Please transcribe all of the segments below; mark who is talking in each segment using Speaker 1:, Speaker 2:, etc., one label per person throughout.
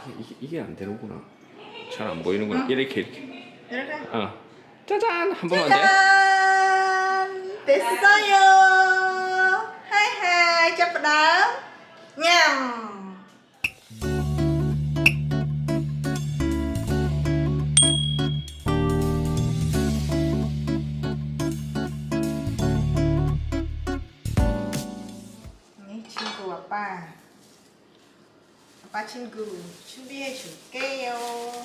Speaker 1: 이게 안 되는구나. 잘 안 보이는구나. 이렇게.
Speaker 2: 이렇게.
Speaker 1: 짜잔! 한 번만 돼.
Speaker 2: 짜잔! 됐어요. 하이하이 잡아다. 냠. 친구 아빠. 아빠 친구 준비해 줄게요.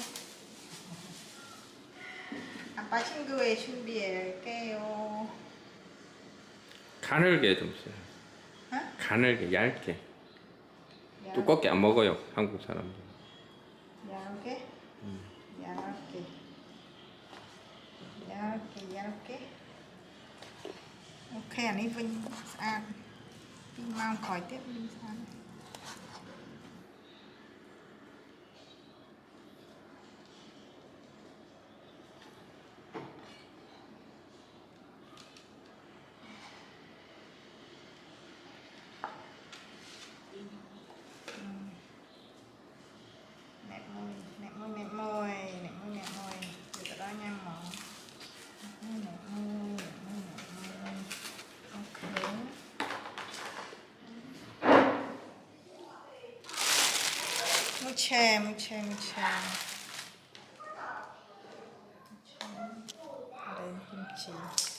Speaker 2: 아빠 친구에 준비할게요.
Speaker 1: 가늘게 좀 써요.
Speaker 2: 어?
Speaker 1: 가늘게, 얇게. 두껍게 안 먹어요, 한국 사람들.
Speaker 2: 얇게? 얇게. 얇게, 얇게. Ok, anh ấy Vinh ăn. Vinh mau khỏi tiếp Vinh ăn. Nẹp môi, nẹp môi, nẹp môi, nẹp môi, nẹp môi. Từ từ đó nha mỏ. Nẹp môi, nẹp môi, nẹp môi. Ok. 무채, 무채, 무채. 아래 김치.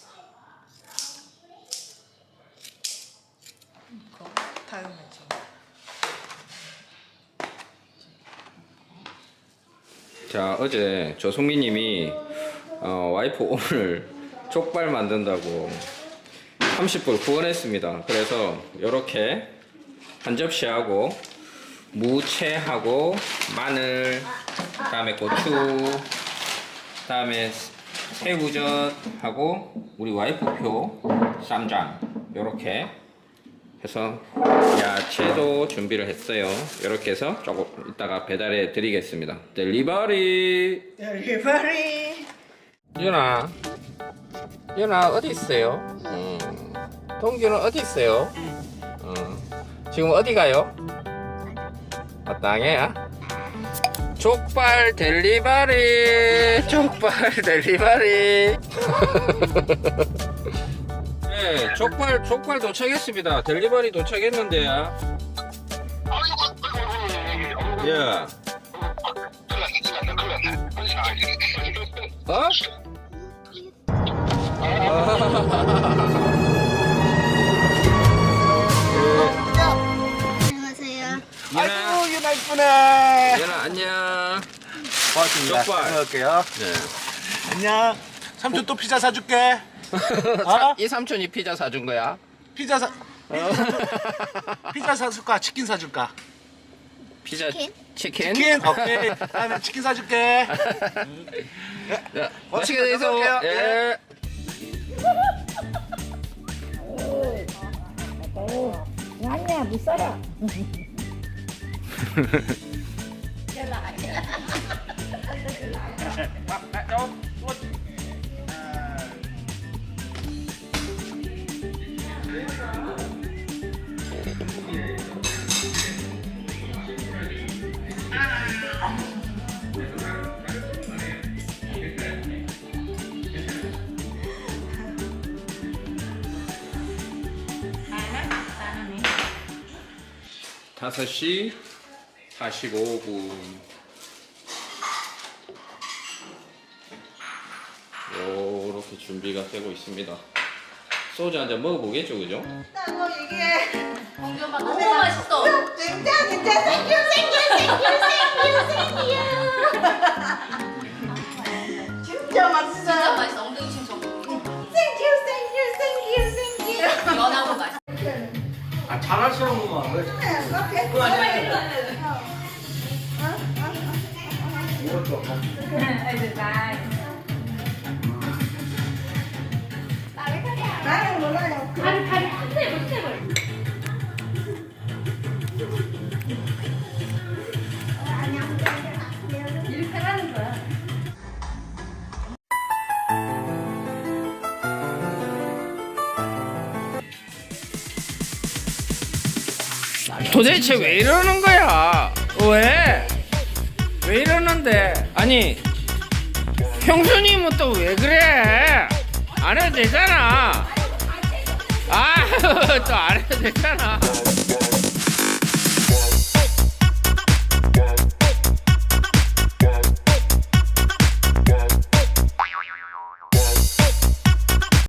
Speaker 2: 이거 다음에 좀.
Speaker 1: 자, 어제 조송미님이 와이프 오늘 족발 만든다고 30불 후원했습니다. 그래서 이렇게 한 접시하고 무채하고 마늘, 그다음에 고추, 그다음에 새우젓하고 우리 와이프표 쌈장 이렇게 해서 야채도 준비를 했어요. 이렇게 해서 조금 이따가 배달해 드리겠습니다. 델리버리.
Speaker 2: 델리버리.
Speaker 1: 유나 어디 있어요? 동규는 어디 있어요? 지금 어디 가요? 땅에야? 족발 델리버리. 족발 델리버리. 네, 족발 도착했습니다. 델리버리 도착했는데요. 예. 어?
Speaker 3: 안녕하세요.
Speaker 4: 아이고 유나 이쁘네.
Speaker 1: 얘나 안녕.
Speaker 4: 고맙습니다.
Speaker 1: 족발.
Speaker 4: 먹을게요.
Speaker 1: 네.
Speaker 4: 안녕. 삼촌 또 피자 사줄게. 어?
Speaker 1: 이 삼촌이 피자 사준 거야?
Speaker 4: 피자 사줄까? 치킨 사줄까?
Speaker 1: 피자
Speaker 3: 치킨?
Speaker 1: 치킨?
Speaker 4: 치킨? 오케이. 다음에 치킨 사줄게.
Speaker 1: 자,
Speaker 4: 어,
Speaker 1: 맛있게 드세요.
Speaker 4: 먹을게요.
Speaker 1: 예.
Speaker 3: 아니야, 못 살아.
Speaker 1: 5시 45분. 요렇게 준비가 되고 있습니다. 소주 한 잔 먹어보겠죠, 그죠?
Speaker 2: 나뭐 얘기해.
Speaker 5: 공기 엄마 너무 맛있어.
Speaker 2: 진짜 생겨. 진짜 맛있어.
Speaker 5: 진짜 맛있어. 엉덩이 춤 좀.
Speaker 2: 생겨.
Speaker 5: 연하고 맛있어.
Speaker 4: 아 잘하시는구만. 왜
Speaker 2: 나는 몰라요.
Speaker 5: 다리 한 세볼. 이렇게 하는 거야.
Speaker 1: 도대체 왜 이러는 거야? 왜? 왜 이러는데? 아니 형수님은 또 왜 그래? 안 해도 되잖아. 아, 또 안 해도 되잖아.